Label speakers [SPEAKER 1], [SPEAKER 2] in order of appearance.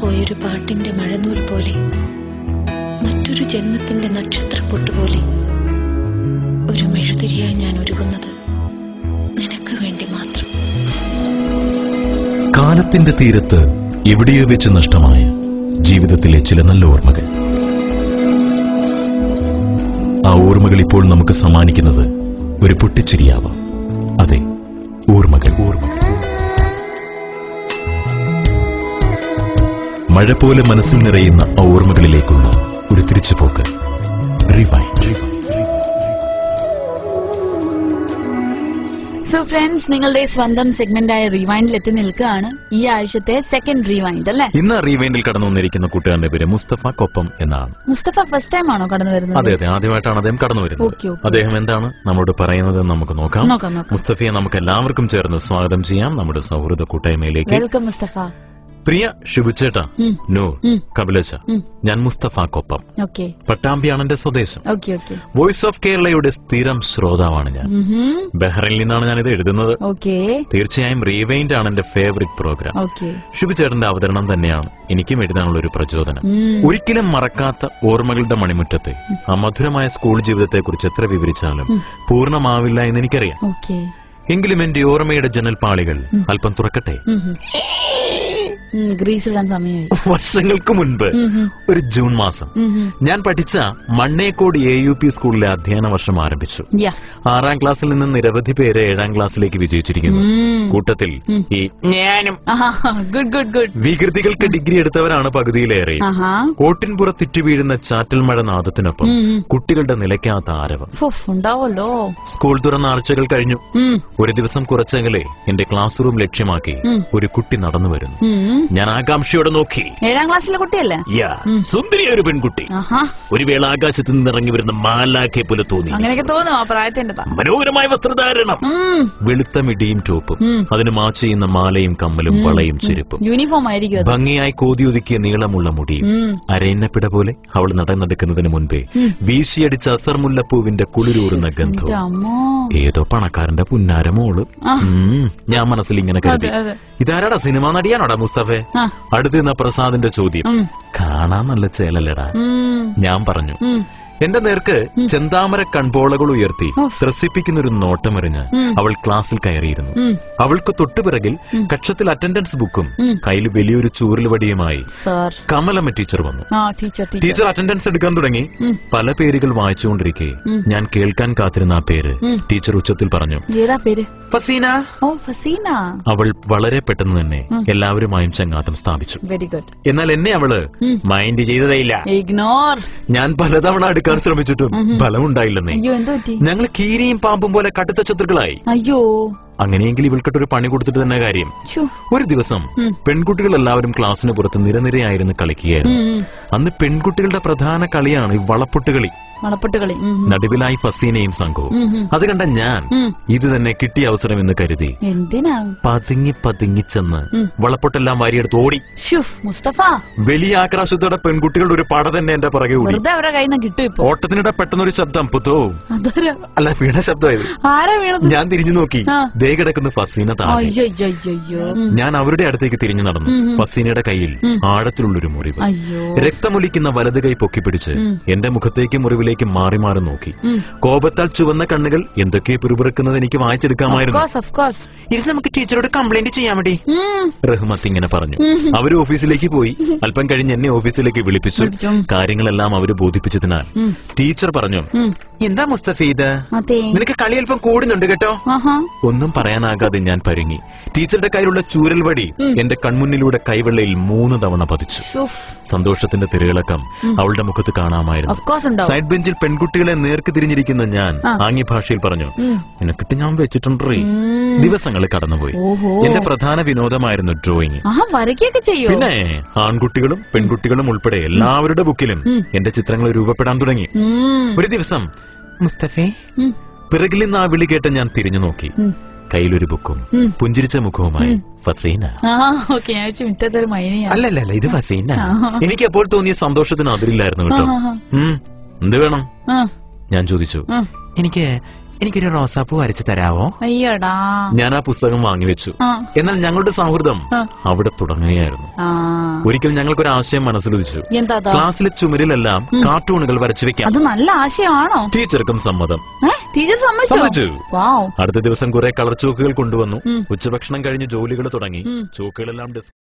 [SPEAKER 1] പോയൊരു പാട്ടിന്റെ മഴനൂൽ പോലെ, മറ്റൊരു ജന്മത്തിന്റെ നക്ഷത്രപ്പൊട്ടുപോലെ ഒരു മെഴുതിരിയായി ഞാൻ ഒരുങ്ങുന്നത് നിനക്ക് വേണ്ടി മാത്രം.
[SPEAKER 2] കാലത്തിന്റെ തീരത്ത് എവിടെയോ വെച്ച് നഷ്ടമായ ജീവിതത്തിലെ ചില നല്ല ഓർമ്മകൾ. ആ ഓർമ്മകൾ ഇപ്പോൾ നമുക്ക് സമ്മാനിക്കുന്നത് ഒരു പൊട്ടിച്ചിരിയാവാം. അതെ, ഓർമ്മകൾ. മഴ പോലെ മനസ്സിൽ നിറയുന്ന ആ ഓർമ്മകളിലേക്കുള്ള ഒരു തിരിച്ചുപോക്ക്. റിവൈൻഡ്.
[SPEAKER 3] സോ ഫ്രണ്ട്സ്, നിങ്ങളുടെ സ്വന്തം സെഗ്മെന്റായ റീവൈൻഡിൽ എത്തി നിൽക്കുകയാണ്. ഈ ആഴ്ചത്തെ സെക്കൻഡ് റീവൈൻഡ് അല്ലേ?
[SPEAKER 2] ഇന്ന് റീവൈൻഡിൽ കടന്നു വന്നിരിക്കുന്ന കൂട്ടുകാരന്റെ പേര് മുസ്തഫ കൊപ്പം എന്നാണ്.
[SPEAKER 3] മുസ്തഫ ഫസ്റ്റ് ടൈം ആണോ കടന്നു വരുന്നത്?
[SPEAKER 2] അതെ, ആദ്യമായിട്ടാണ് അദ്ദേഹം കടന്നു വരുന്നത്. അദ്ദേഹം എന്താണ് നമ്മളോട് പറയുന്നത് നമുക്ക് നോക്കാം. മുസ്തഫയെ നമുക്ക് എല്ലാവർക്കും ചേർന്ന് സ്വാഗതം ചെയ്യാം നമ്മുടെ സൗഹൃദ കൂട്ടായ്മയിലേക്ക്.
[SPEAKER 3] വെൽക്കം മുസ്തഫ.
[SPEAKER 2] പ്രിയ ഷിബുച്ചേട്ട, നൂർ, കപിലച്ച, ഞാൻ മുസ്തഫ കൊപ്പം. പട്ടാമ്പിയാണ് എന്റെ സ്വദേശം. വോയിസ് ഓഫ് കേരളയുടെ സ്ഥിരം ശ്രോതാവാണ് ഞാൻ. ബഹ്റൈനിൽ നിന്നാണ് ഞാനിത് എഴുതുന്നത്. തീർച്ചയായും റീവൈൻഡ് ആണ് എന്റെ ഫേവറിറ്റ് പ്രോഗ്രാം. ഷിബുച്ചേട്ടന്റെ അവതരണം തന്നെയാണ് എനിക്കും എഴുതാനുള്ള ഒരു പ്രചോദനം. ഒരിക്കലും മറക്കാത്ത ഓർമ്മകളുടെ മണിമുറ്റത്തെ ആ മധുരമായ സ്കൂൾ ജീവിതത്തെക്കുറിച്ച് എത്ര വിവരിച്ചാലും പൂർണ്ണമാവില്ല എന്ന് എനിക്കറിയാം. എങ്കിലും എന്റെ ഓർമ്മയുടെ ജനൽപ്പാളികൾ അല്പം തുറക്കട്ടെ. വർഷങ്ങൾക്ക് മുൻപ് ഒരു ജൂൺ മാസം ഞാൻ പഠിച്ച മണ്ണേക്കോട് AUP സ്കൂളിലെ അധ്യയന വർഷം ആരംഭിച്ചു. 6ാം ക്ലാസ്സിൽ നിന്ന് നിരവധി പേര് 7ാം ക്ലാസ്സിലേക്ക് വിജയിച്ചിരിക്കുന്നു. കൂട്ടത്തിൽ ഈ ഞാനും. വികൃതികൾക്ക് ഡിഗ്രി എടുത്തവരാണ് പകുതിയിലേറെ. ഓട്ടിൻപുറത്തിറ്റു വീഴുന്ന ചാറ്റൽ മഴ നാദത്തിനൊപ്പം കുട്ടികളുടെ നിലയ്ക്കാത്ത ആരവം. സ്കൂൾ തുറന്ന ആഴ്ചകൾ കഴിഞ്ഞു. ഒരു ദിവസം കുറച്ചെങ്കിലേ എന്റെ ക്ലാസ് റൂം ലക്ഷ്യമാക്കി ഒരു കുട്ടി നടന്നു വരുന്നു. ഞാൻ ആകാംക്ഷയോടെ നോക്കി.
[SPEAKER 3] 7ാം ക്ലാസ്സിലെ കുട്ടിയല്ലേ?
[SPEAKER 2] സുന്ദരിയ ഒരു പെൺകുട്ടി. ഒരു വേള ആകാശത്ത് നിന്നിറങ്ങി വരുന്ന മാലാഖയെ പോലെ തോന്നി. മനോഹരമായ വസ്ത്രധാരണം, വെളുത്ത മിടിയും ടോപ്പും, അതിന് മാച്ച് ചെയ്യുന്ന മാലയും കമ്മലും വളയും ചെരുപ്പും,
[SPEAKER 3] യൂണിഫോം ആയിരിക്കും.
[SPEAKER 2] ഭംഗിയായി കോതിയൊതുക്കിയ നീളമുള്ള മുടിയും. അരയന്നപ്പിട പോലെ അവൾ നടന്നെടുക്കുന്നതിന് മുൻപേ വീശിയടിച്ച അസർമുല്ലപ്പൂവിന്റെ കുളിരൂറുന്ന ഗന്ധവും. ഏതോ പണക്കാരന്റെ പുന്നാരമോള്. ഞാൻ മനസ്സിൽ ഇങ്ങനെ കരുതി, ഇതാരാടാ, സിനിമാ നടിയാണോടാ മുസ്തഫെ? അടുത്ത് നിന്ന പ്രസാദിന്റെ ചോദ്യം. കാണാൻ നല്ല ചേലല്ലടാ. ഞാൻ പറഞ്ഞു. എന്റെ നേർക്ക് ചെന്താമര കൺപോളകൾ ഉയർത്തി ത്രസിപ്പിക്കുന്ന ഒരു നോട്ടമെറിഞ്ഞ് അവൾ ക്ലാസ്സിൽ കയറിയിരുന്നു. അവൾക്ക് തൊട്ടുപിറകിൽ കക്ഷത്തിൽ അറ്റൻഡൻസ് ബുക്കും കയ്യിൽ വലിയൊരു ചൂരൽ വടിയുമായി കമലമ്മ ടീച്ചർ വന്നു. ടീച്ചർ അറ്റൻഡൻസ് എടുക്കാൻ തുടങ്ങി. പല പേരുകൾ വായിച്ചുകൊണ്ടിരിക്കെ ഞാൻ കേൾക്കാൻ കാത്തിരുന്ന ആ പേര് ടീച്ചർ ഉച്ചത്തിൽ പറഞ്ഞു. ഫസീന. അവൾ വളരെ പെട്ടെന്ന് തന്നെ എല്ലാവരുമായും ചങ്ങാത്തം സ്ഥാപിച്ചു. എന്നാൽ എന്നെ അവള് മൈൻഡ് ചെയ്തതേയില്ല. ഞാൻ പലതവണ അടുക്കാൻ ശ്രമിച്ചിട്ടും ഫലമുണ്ടായില്ലെന്നേ. ഞങ്ങൾ കീരിയും പാമ്പും പോലെ കടുത്ത ശത്രുക്കളായി. അങ്ങനെയെങ്കിൽ ഇവൾക്കിട്ടൊരു പണി കൊടുത്തിട്ട് തന്നെ കാര്യം. ഒരു ദിവസം പെൺകുട്ടികൾ എല്ലാവരും ക്ലാസ്സിന് പുറത്ത് നിരനിരയായിരുന്നു കളിക്കുകയായിരുന്നു. അന്ന് പെൺകുട്ടികളുടെ പ്രധാന കളിയാണ് ഈ വളപ്പൊട്ടുകളി. നടുവിലായി ഫസീനയും സംഘവും. അത് കണ്ട ഞാൻ ഇത് തന്നെ കിട്ടിയ അവസരം എന്ന് കരുതി പതുങ്ങി പതുങ്ങി ചെന്ന് വളപ്പൊട്ടെല്ലാം വാരിയെടുത്ത് ഓടി. വലിയ ആക്രാശത്തോടെ പെൺകുട്ടികളുടെ ഒരു പട തന്നെ എന്റെ പുറകെ ഓടി. ഓട്ടത്തിനിടെ പെട്ടെന്നൊരു ശബ്ദം, പുത്തോ അല്ല വീണ ശബ്ദമായത്. ഞാൻ തിരിഞ്ഞു നോക്കി, ദേ കിടക്കുന്ന ഫസീന താഴെ. ഞാൻ അവരുടെ അടുത്തേക്ക് തിരിഞ്ഞു നടന്നു. ഫസീനയുടെ കയ്യിൽ ആഴത്തിലുള്ളൊരു മുറിവ്. രക്തമൊലിക്കുന്ന വലത് കൈ പൊക്കിപ്പിടിച്ച് എന്റെ മുഖത്തേക്ക് മുറിവിലേക്ക് മാറി മാറി നോക്കി. കോപത്താൽ ചുവന്ന കണ്ണുകൾ എന്തൊക്കെയോ പിറുപിറുക്കുന്നത് എനിക്ക് വായിച്ചെടുക്കാമായിരുന്നു. ഇത് നമുക്ക് ടീച്ചറോട് കംപ്ലൈന്റ് ചെയ്യാൻ വേണ്ടി റഹ്മത്ത് ഇങ്ങനെ പറഞ്ഞു. അവര് ഓഫീസിലേക്ക് പോയി. അല്പം കഴിഞ്ഞ് എന്നെ ഓഫീസിലേക്ക് വിളിപ്പിച്ചു. കാര്യങ്ങളെല്ലാം അവര് ബോധിപ്പിച്ചതിനാൽ ടീച്ചർ പറഞ്ഞു, എന്താ മുസ്തഫ ഇത്, നിനക്ക് കളി അല്പം കൂടുന്നുണ്ട് കേട്ടോ. ഒന്നും പറയാനാകാതെ ഞാൻ പരുങ്ങി. ടീച്ചറുടെ കയ്യിലുള്ള ചൂരൽ വടി എന്റെ കൺമുന്നിലൂടെ കൈവെള്ളയിൽ 3 തവണ പതിച്ചു. സന്തോഷത്തിന്റെ തിരയിളക്കം അവളുടെ മുഖത്ത് കാണാമായിരുന്നു. സൈഡ് ബെഞ്ചിൽ പെൺകുട്ടികളെ നേർക്ക് തിരിഞ്ഞിരിക്കുന്ന ഞാൻ ആംഗ്യ ഭാഷയിൽ പറഞ്ഞു, നിനക്കിട്ട് ഞാൻ വെച്ചിട്ടുണ്ടേ. ദിവസങ്ങൾ കടന്നുപോയി. എന്റെ പ്രധാന വിനോദമായിരുന്നു ഡ്രോയിങ്. പിന്നെ ആൺകുട്ടികളും പെൺകുട്ടികളും ഉൾപ്പെടെ എല്ലാവരുടെ ബുക്കിലും എന്റെ ചിത്രങ്ങൾ രൂപപ്പെടാൻ തുടങ്ങി. ഒരു ദിവസം, മുസ്തഫേ, പിറകിൽ നിന്ന് ആ വിളി കേട്ട് ഞാൻ തിരിഞ്ഞു നോക്കി. കയ്യിലൊരു ബുക്കും പുഞ്ചിരിച്ച മുഖവുമായി ഫസീന. അല്ലല്ല, ഇത് ഫസീന. എനിക്ക് അപ്പോൾ തോന്നിയ സന്തോഷത്തിന് അതിരില്ലായിരുന്നു കേട്ടോ. എന്ത് വേണം ഞാൻ ചോദിച്ചു. എനിക്ക് എനിക്കൊരു റോസാപ്പൂ വരച്ചു തരാവോ?
[SPEAKER 3] അയ്യോടാ.
[SPEAKER 2] ഞാൻ ആ പുസ്തകം വാങ്ങിവെച്ചു. എന്നാൽ ഞങ്ങളുടെ സൗഹൃദം അവിടെ തുടങ്ങുകയായിരുന്നു. ഒരിക്കൽ ഞങ്ങൾക്കൊരു ആശയം മനസ്സിലുദിച്ചു. ക്ലാസ്സിലെ ചുമരിലെല്ലാം കാർട്ടൂണുകൾ വരച്ചു വെക്കാം.
[SPEAKER 3] അത് നല്ല ആശയമാണോ?
[SPEAKER 2] ടീച്ചർക്കും സമ്മതം.
[SPEAKER 3] ടീച്ചർ സമ്മതിച്ചു.
[SPEAKER 2] അടുത്ത ദിവസം കുറെ കളർ ചോക്കുകൾ കൊണ്ടുവന്നു. ഉച്ചഭക്ഷണം കഴിഞ്ഞ് ജോലികൾ തുടങ്ങി. ചോക്കുകളെല്ലാം